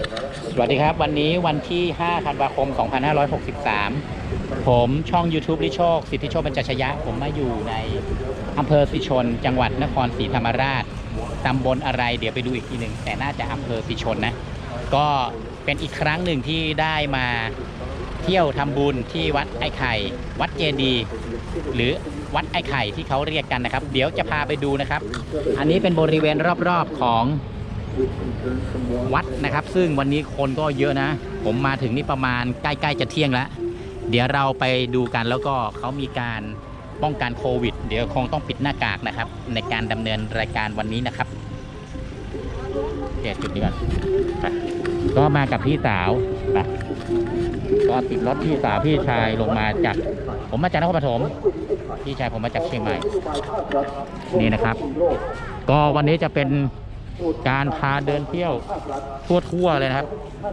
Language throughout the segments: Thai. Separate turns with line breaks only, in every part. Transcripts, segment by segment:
สวัสดีครับวันนี้วันที่5ธันวาคม2563ผมช่อง YouTube ลิโชคสิทธิโชคบรรจัชยะผมมาอยู่ในอำเภอสิชนจังหวัดนครศรีธรรมราชตำบลอะไรเดี๋ยวไปดูอีกทีหนึ่งแต่น่าจะอำเภอสิชนนะก็เป็นอีกครั้งหนึ่งที่ได้มาเที่ยวทำบุญที่วัดไอ้ไข่วัดเจดีย์หรือวัดไอ้ไข่ที่เขาเรียกกันนะครับเดี๋ยวจะพาไปดูนะครับอันนี้เป็นบริเวณรอบๆของวัดนะครับซึ่งวันนี้คนก็เยอะนะผมมาถึงนี่ประมาณใกล้ๆจะเที่ยงแล้วเดี๋ยวเราไปดูกันแล้วก็เขามีการป้องกันโควิดเดี๋ยวคงต้องปิดหน้ากากนะครับในการดำเนินรายการวันนี้นะครับเดี๋ยวจุดนี้ก่อนก็มากับพี่สาวนะก็ติดรถพี่สาวพี่ชายลงมาจากผมมาจากนครปฐมพี่ชายผมมาจากเชียงใหม่นี่นะครับก็วันนี้จะเป็นการพาเดินเที่ยวทั่วเลยนะครับ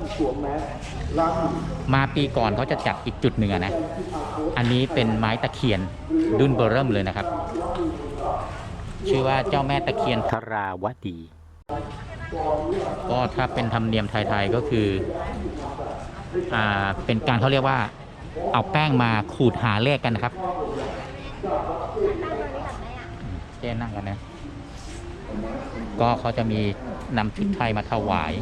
มาปีก่อนเขาจะจัดอีกจุดหนึ่งนะอันนี้เป็นไม้ตะเคียนดุนเบอร์เริ่มเลยนะครับชื่อว่าเจ้าแม่ตะเคียนธราวดีก็ถ้าเป็นธรรมเนียมไทยๆก็คือเป็นการเขาเรียกว่าเอาแป้งมาขูดหาเลขกันนะครับเจ๊นั่งกันนะก็เขาจะมีนำชุดไทยมาถวาย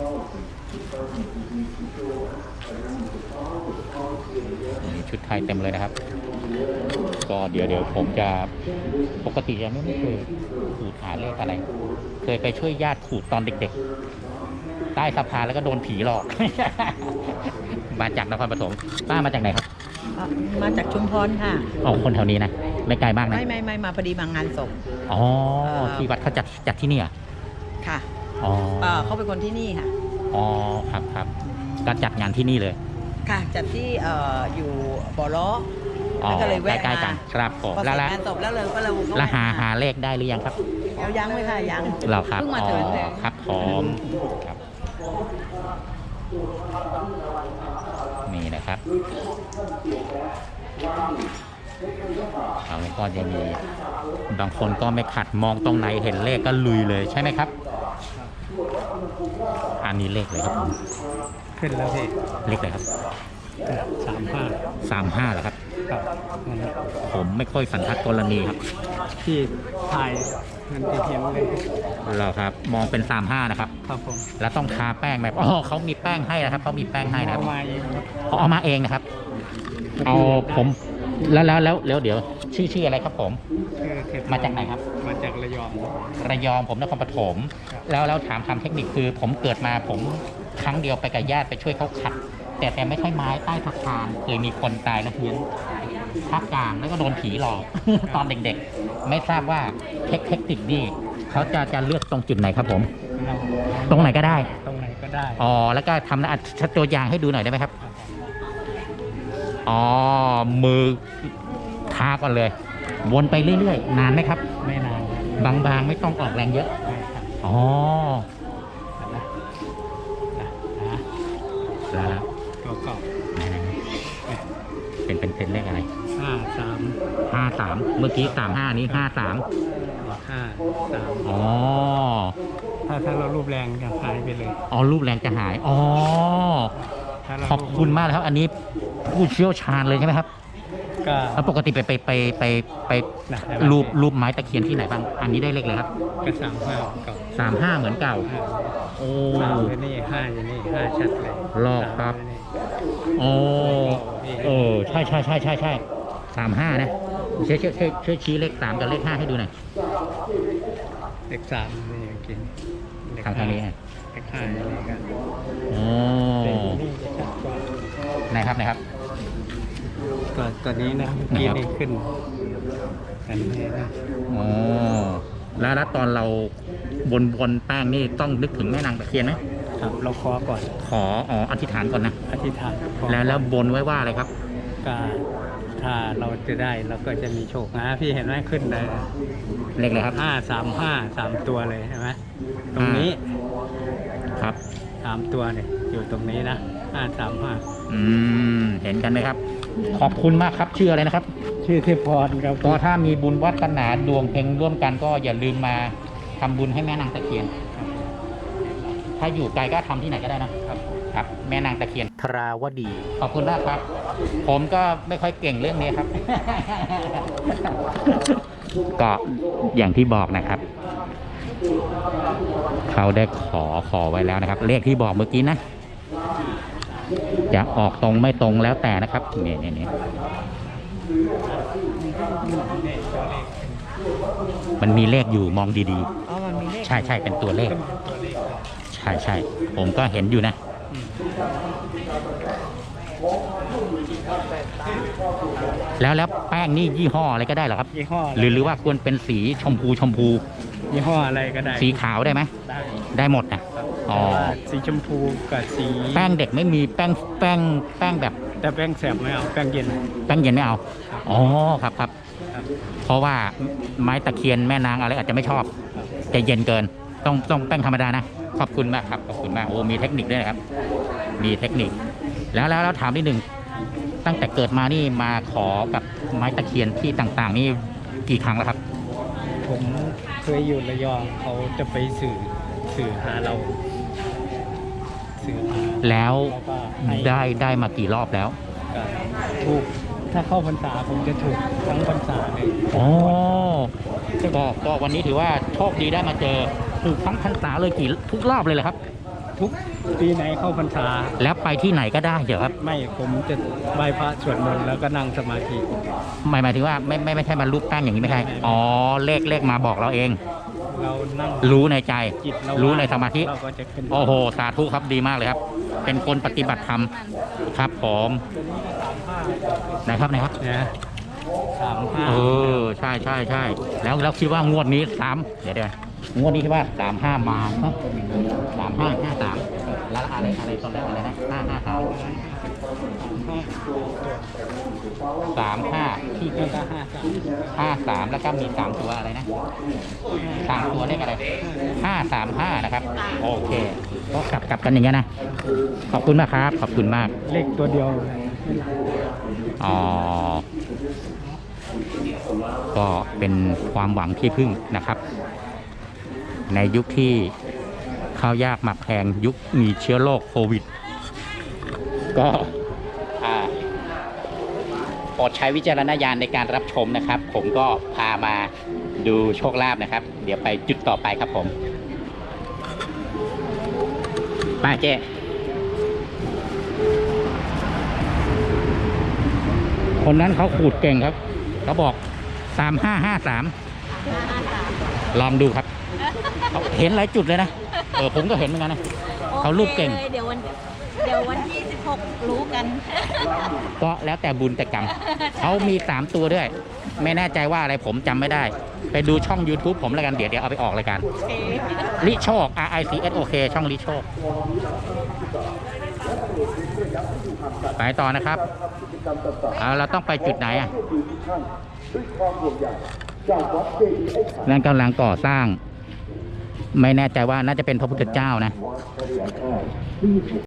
มีชุดไทยเต็มเลยนะครับก็เดี๋ยวผมจะปกติยังไม่เคยขูดหาเลขอะไรเคยไปช่วยญาติขูดตอนเด็กๆใต้สะพานแล้วก็โดนผีหลอก มาจากนครปฐมป้ามาจากไหนครับ
มาจากชุมพรค่ะ
อ๋อคนแถวนี้นะไม่ไกลมากนะ
ไม่มาพอดีมางานศพ
อ๋อที่วัดเขาจัดที่นี่อ่ะ
ค่ะ
อ๋อ
เขาเป็นคนที่นี่ค่ะ
อ๋อครับก็จัดงานที่นี่เลย
ค่ะจัดที่อยู่บ่อล้อ
ก็เลยแวะใกล้ๆกันครับผม
แล้วงานศพแล้วเลยก็เลย
แล้วหาเลขได้หรือยังครับ
ยังไม่ค่ะยัง
เราครับ
เพิ่งมาถึง
ครับผมครับนี่นะครับแล้วก็จะมีบางคนก็ไม่ขัดมองตรงไหนเห็นเลขก็ลุยเลยใช่ไหมครับอันนี้เลขเลยครับผม
ขึ้นแล้วพี่
เลขอะไรครับ35เหรอครับ
ครับ
ผมไม่ค่อยสันทัดกรณีครับ
ที่ถ่ายมันเทียมเลย
เราครับมองเป็น35นะครับ
ครับผม
แล้วต้องทาแป้งไหมเขามีแป้งให้นะครับเขามีแป้งให้นะครับ
เอามาเอง
เอามาเองนะครับเอาผมแล้วเดี๋ยวชื่ออะไรครับผมมาจากไหนครับ
มาจากระย
องผมนครปฐมแล้วถามคำเทคนิคคือผมเกิดมาผมครั้งเดียวไปกับญาติไปช่วยเขาขัดแต่ไม่ใช่ไม้ใต้สะพานเคยมีคนตายแล้วเพี้ยนภาคกลางแล้วก็โดนผีหลอก ตอนเด็กๆไม่ทราบว่าเทคนิคนี่เขาจะเลือกตรงจุดไหนครับผมตรงไหนก็ได้แล้วก็ทำตัวอย่างให้ดูหน่อยได้ไหมครับมือทาก่อนเลยวนไปเรื่อยๆนานไหมครับ
ไม่นาน
บางๆไม่ต้องออกแรงเยอะแล้ว
ก็
เป็นเลขอะไร53เมื่อกี้35นี้53
ถ้าเรารูปแรงจะหายไปเลย
รูปแรงจะหายขอบคุณมากครับอันนี้ผู้เชี่ยวชาญเลยใช่ไหมครับก็ปกติไปรูปไม้ตะเคียนที่ไหนบ้างอันนี้ได้เลขเลยครับ
ก็
35เหมือนเก่า
นี่5อยู่นี่5ชัดเลย
ลอกครับใช่35นะช่วยชี้เลข3กับเลข5ให้ดูหน่อย
เลข3นี่กิน
ทางนี้
เลข5นี่กัน
ไหนครับ
ตัวนี้นะกินขึ้นกันนี้นะ
แล้วตอนเราบนแป้งนี่ต้องนึกถึงแม่นางตะเคียนไหม
ครับเราขอก่อน
อธิษฐานก่อนนะ
อธิษฐาน
แล้วบนไว้ว่าอะไรครับ
ก็ถ้าเราจะได้เราก็จะมีโชคนะพี่เห็นไหมขึ้นเลย
เลขอะไรครับ
3 ตัวเลยใช่ไหมตรงนี้
ครับ
3 ตัวเนี่ยอยู่ตรงนี้นะ
เห็นกันไหมครับขอบคุณมากครับชื่ออะไรนะครับ
ชื่อเทพพรครับ
ก็ถ้ามีบุญวัฒนาดวงเพ็งร่วมกันก็อย่าลืมมาทำบุญให้แม่นางตะเคียนถ้าอยู่ไกลก็ทำที่ไหนก็ได้นะครับ ครับ แม่นางตะเคียนทราวดี ขอบคุณมากครับ ผมก็ไม่ค่อยเก่งเรื่องนี้ครับ ก็อย่างที่บอกนะครับ เขาได้ขอไว้แล้วนะครับ เลขที่บอกเมื่อกี้นะ จะออกตรงไม่ตรงแล้วแต่นะครับนี่มันมีเลขอยู่มองดี
อ๋อมันมีเลข
ๆ ใช่เป็นตัวเลข ใช่ผมก็เห็นอยู่นะ แล้วแป้งนี่ยี่ห้ออะไรก็ได้เหรอครับ
ยี่ห้อ
หรือว่าควรเป็นสีชมพู
ยี่ห้ออะไรก็ได้
สีขาวได้ไหม ได้หมดนะ
แต่ว่าสีชมพูกับสี
แป้งเด็กไม่มีแป้งแบบ
แต่แป้งแสบไม่เอาแป้งเย็น
แป้งเย็นไม่เอา อ๋อครับ
ครับ
เพราะว่าไม้ตะเคียนแม่นางอะไรอาจจะไม่ชอบจะเย็นเกิน ต้องแป้งธรรมดานะ ขอบคุณมากครับ ขอบคุณมาก โอ้ มีเทคนิคด้วยนะครับ มีเทคนิค แล้วถามนิดหนึ่ง ตั้งแต่เกิดมานี่มาขอกับไม้ตะเคียนที่ต่างๆ นี่กี่ครั้งแล้วครับ
ผมเคยอยู่ระยองเขาจะไปสื่อหาเราสื่อหา
แล้ว
แล้วก็ให้
ได้มากี่รอบแล้ว
ถูกถ้าเข้าพรรษาผมจะถูกทั้งพรรษาเลย
อ๋อก็วันนี้ถือว่าโชคดีได้มาเจอถูกทั้งพรรษาเลยทุกรอบเลยเหรอครับ
ทุกปีไหนเข้าพรรษา
แล้วไปที่ไหนก็ได้เหรอครับ
ไม่ผมจะไหว้พระสวดมนต์แล้วก็นั่งสมาธิ
หมายถึงว่าไม่ใช่มารูปแป้งอย่างนี้ไม่ใช่ อ๋อเลขมาบอกเราเอง
เรานั่ง
รู้ในใจ
จิตเรา
รู้ในสมาธิ
เราก็จะขึ้น
โอ้โห สาธุครับดีมากเลยครับ เป็นคนปฏิบัติธรรมครับผมนะครับ
นะ35
เออใช่แล้วคิดว่างวดนี้เดี๋ยวงวดนี้คิดว่า35มาเนาะ3553แล้วอะไรตอนแรกอะไรนะ553ที่
แล้วก็
53
53
แล้วก็มี3ตัวอะไรนะ3ตัวเลขอะไร535นะครับโอเคก็กลับกันอย่างเงี้ยนะขอบคุณมากครับขอบคุณมาก
เลขตัวเดียว
อ๋อก็เป็นความหวังที่พึ่งนะครับ ในยุคที่ข้าวยากหมักแพงยุคมีเชื้อโรคโควิด ก็โปรดใช้วิจารณญาณในการรับชมนะครับ ผมก็พามาดูโชคลาภนะครับ เดี๋ยวไปจุดต่อไปครับผมมาเจ๊คนนั้นเขาขูดเก่งครับเขาบอก3553ลองดูครับเขาเห็นหลายจุดเลยนะผมก็เห็นเหมือนกันนะเขารูปเก่ง
เดี๋ยววันที่16รู้กัน
ก็แล้วแต่บุญแต่กรรม เขามี3ตัวด้วย ไม่แน่ใจว่าอะไรผมจำไม่ได้ ไปดูช่อง YouTube ผมแล้วกันเดี๋ยวเอาไปออกรายการลิโชค RICSOK ช่องลิโชคไปต่อนะครับเราต้องไปจุดไหนอ่ะนั่นกำลังก่อสร้าง ไม่แน่ใจว่าน่าจะเป็นพระพุทธเจ้านะ